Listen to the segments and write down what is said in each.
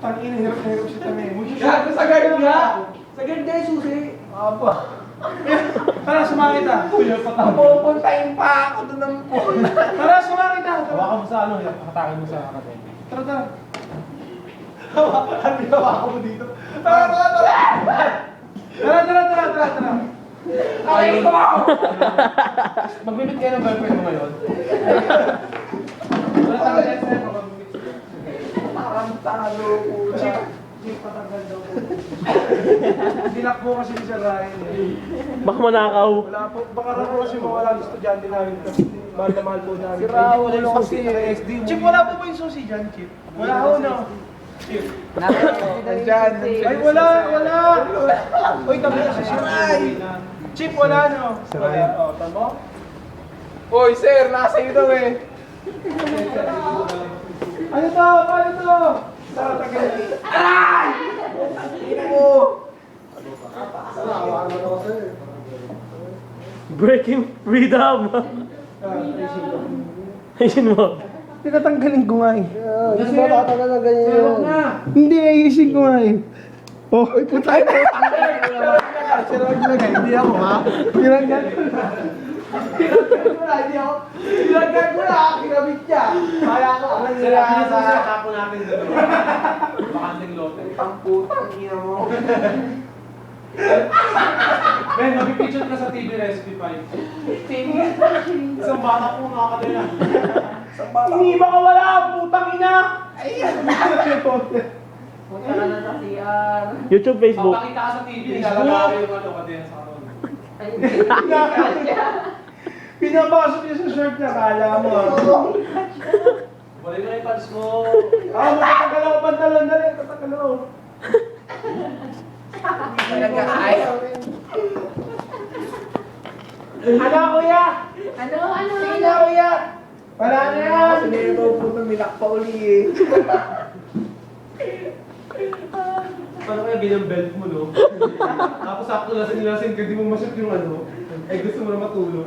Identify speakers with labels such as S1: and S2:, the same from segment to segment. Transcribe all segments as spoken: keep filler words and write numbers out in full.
S1: Tangina, hirap na hirap si Tame.
S2: Gago sa guard nga! Sa guard nga yung susi!
S1: Aba. Tara, sumakit ah. Kuya, patang.
S2: Pupuntahin pa ako doon ng pool.
S1: Tara, sumakit ah.
S3: Hawakan mo sa ano, hatakin mo sa kate.
S1: Tara, tara. Hawakan mo, hawakan mo dito. Tara, tara, tara. Tara, tara, tara, tara, tara.
S2: Ay, ko!
S3: Magbibit kayo ng girlfriend mo ngayon. Wala tayong next time, magbibit siya.
S2: Parang talo po.
S1: Chip, chip, patagal daw po. Dinakbo kasi ni Sir Ryan eh.
S4: Baka manakaw.
S1: Wala po, baka raw po kasi mawala ang estudyante namin kasi mahal na mahal po namin.
S2: Si Raul,
S1: Wala
S2: yung
S1: kasi
S2: susi,
S1: S D. Chip, wala po ba yung susi dyan, Chip? Wala ho, no? Chip.
S2: Nandyan,
S1: Ay, wala, wala! Uy, tabi na si Sir Ryan. Chip, wala, no? Wala, o, tamo?
S2: Hoy, sir, nasa iyo daw eh.
S1: Ano to? Paano to? Sa tagal. Aray! Ina mo!
S4: Breaking freedom. Ayun mo.
S1: Tinatanggalin ko nga eh.
S2: Hindi ba tatagal na ganyan yun?
S1: Hindi, ayusin ko nga eh. Oh, ay puta ito. Hindi ako ha. Tinanggal.
S2: Tinagkan ko na, hindi ako. Tinagkan ko na, kinabit niya. Kaya ko, ang
S3: Sir,
S2: nila
S3: actually,
S2: sa...
S3: sasaka po natin doon. Bakanting lote.
S2: Ang putang ina mo.
S3: Ben, mag-picture ka sa T V Recipe five. Isang bata po nakakadala.
S1: Hindi ba ka wala? Putang ina!
S2: Punta ka na sa C R.
S4: YouTube, Facebook.
S3: Papakita ka sa T V, nilalagay yung ano, kadena sa karon.
S1: Pinapasok niya sa shirt niya, kala mo.
S3: Balik mo na yung pants mo.
S1: Ah, matatanggal ako pantalon na rin. Matatanggal ako.
S2: Nag-aay.
S1: Ano, kuya?
S5: Ano, ano,
S1: Sige
S5: ano?
S1: na, kuya. Wala na yan.
S2: Hindi ko putang nilak pa uli eh.
S3: Paano kaya ganyan belt mo, no? Tapos sakto lasing-lasing ka, di mo masyat yung ano. Eh, gusto mo na matulog.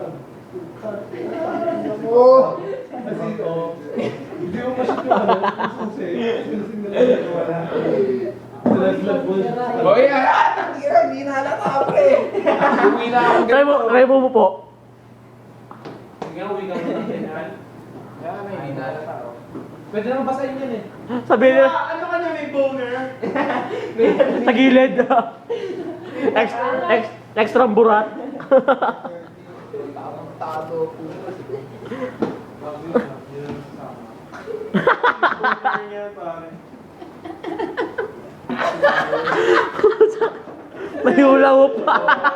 S2: Oo.
S3: Kasi, oh, hindi mo masyat yung ano. Susi. Lasing na lang wala. Nalaglag mo.
S2: Hoy, ah, tangina, hindi na halata pre. Uwi na ako.
S4: Try mo, try mo mo po.
S3: Sige, uwi ka mo ng ganyan.
S2: Kaya na, hindi na halata ako.
S3: Pwede naman basahin yan eh.
S4: Sabi nila,
S1: Ah, ano ka niya, may boner?
S4: sa gilid. Ex, ex, extra burat.
S2: Parang tado po.
S3: Bago yun, ah. Yun ang kasama.
S1: Boner niya, pare.
S4: May hula mo pa.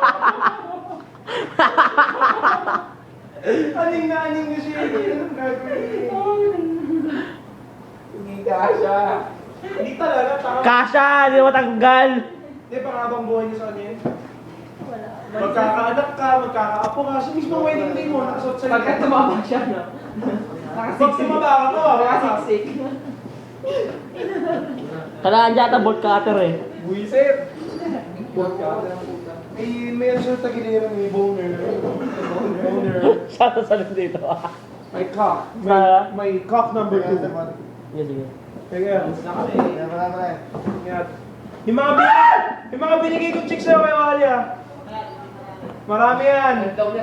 S1: Aning na aning na siya. Anong gagawin?
S2: Hindi ka siya.
S1: Hindi talaga, tama.
S4: Kasha, hindi mo matanggal.
S1: Hindi, pangabang buhay niya sa kanya yun.
S5: Wala.
S1: Magkakaanak ka, magkakaapo ka. Sa mismo wedding day mo, nakasuot sa
S2: Pagka tumama siya, no?
S1: Pag tumaba ka, kawawa ka.
S2: Nakasiksik.
S4: Kailangan dyan ata bolt cutter eh.
S2: Buisit. Buwan ka ng puta.
S1: May meron siya tagiliran, may boner. Boner.
S4: Saan sa dito?
S1: May cock. May,
S4: Sa-
S1: may cock number two.
S4: Sige, sige.
S1: Kaya,
S3: Na kami.
S1: ingat. Yung mga binigay, yung mga binigay kong chicks sa'yo kay Wally ah. Marami yan.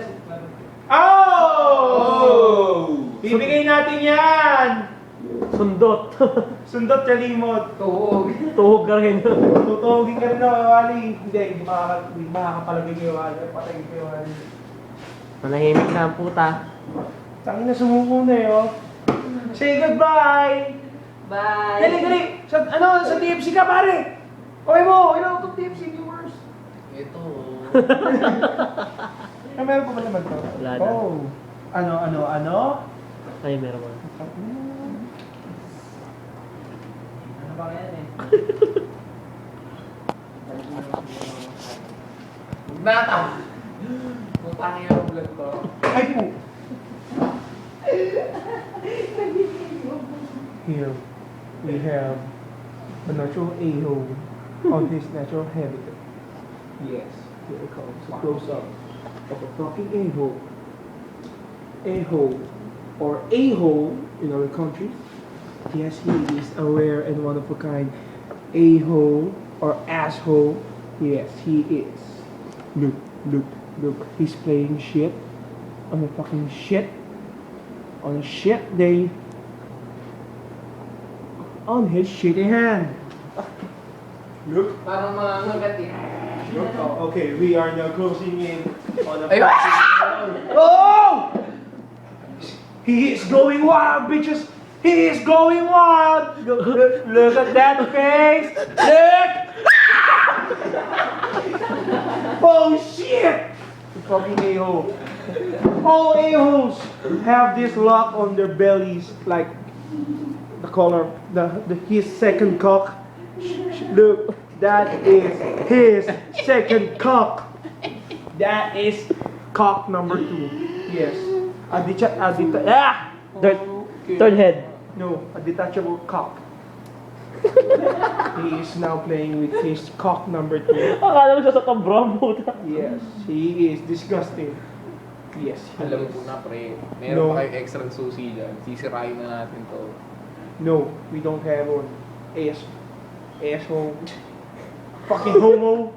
S1: Oh! Bibigay natin yan!
S4: Sundot.
S1: Sundot kalimot.
S2: Tuhog.
S4: Tuhog ka rin.
S1: Tutugin ka rin na kay Wally. Hindi, hindi makaka- hindi makakapalagay kay Wally. Patay kay Wally.
S4: Manahimik na ang puta.
S1: Tangin na sumuko na eh, oh. Say goodbye!
S5: Bye.
S1: Dali, dali! Sa, ano, sa T F C ka, pare! Okay mo, ilan itong T F C viewers?
S2: Ito.
S1: Ah, meron pa ba naman to?
S4: Wala na.
S1: Oh. Ano, ano, ano?
S4: Ay, meron mo.
S2: Ano ba yan eh? Nata! Putang yung vlog ko.
S1: Ay po! Here, we have a natural a-hole on his natural habitat. Yes, here it comes. A close-up of a talking a-hole. A-hole, or a-hole in our country. Yes, he is a rare and one of a kind a-hole or asshole. Yes, he is. Look, look, look. He's playing shit on a fucking shit on a shit day on his shitty hand. Look.
S2: Parang mga ngagat eh.
S1: Look. Oh, okay, we are now closing in on a
S2: Ay,
S1: fucking. Oh! He is going wild, bitches. He is going wild. Look, look, look at that face. Look. Oh shit! Fucking a-hole. All a-holes have this lock on their bellies, like the color, the, the his second cock. Look, that is his second cock. That is cock number two. Yes, a deta- a deta- ah,
S4: Third, third head.
S1: no, a detachable cock. He is now playing with his cock number two.
S4: Akala mo siya sa kabram, puta.
S1: Yes, he is disgusting. Yes, he
S2: Alam mo
S1: is.
S2: po na pre,
S1: No.
S2: meron pa kayong extra susi dyan. Sisirain na natin to.
S1: No, we don't have one. Ass. Asshole. Fucking homo.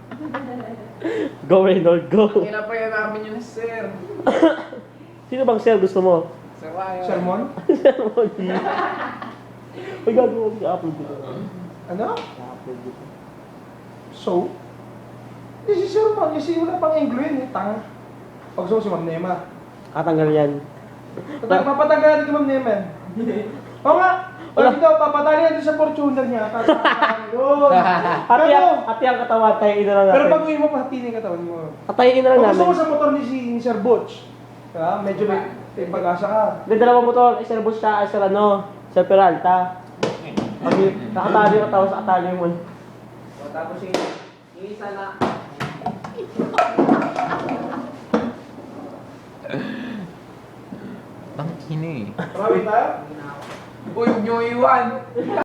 S4: Go, Reynold, go.
S2: Kaya pa yan namin yun, sir.
S4: Sino bang sir gusto mo?
S2: Sir Ryan.
S1: Sermon?
S4: Sermon. Uy, gagawa ko. I-upload ko.
S1: Ano?
S4: I-upload ko.
S1: So? This is sermon. Kasi wala pang Anglo yun. Eh. Tanga. Pag gusto mo si Ma'am Nema.
S4: Katanggal yan.
S1: Patag- Papatanggal natin kay Ma'am Nema. Oo nga. Pag ito, papatali natin sa Fortuner niya. Tatanggal. Yun.
S4: Pati
S1: Pero,
S4: ang, pati ang katawan, tayin na lang
S1: pero
S4: natin.
S1: pag uwi mo, pati yung katawan mo.
S4: Patayin na lang
S1: Kung gusto mo
S4: namin.
S1: sa motor ni si ni Sir Butch, ha? Medyo may, may pag-asa ka.
S4: May dalawang motor, ay Sir Bush siya, ay Sir ano, Sir Peralta. Pag nakatali yung katawan sa katali mo.
S2: So, tapos yung yung isa na. Ang ina eh.
S1: Marami tayo?
S2: Uy, huwag niyo iwan.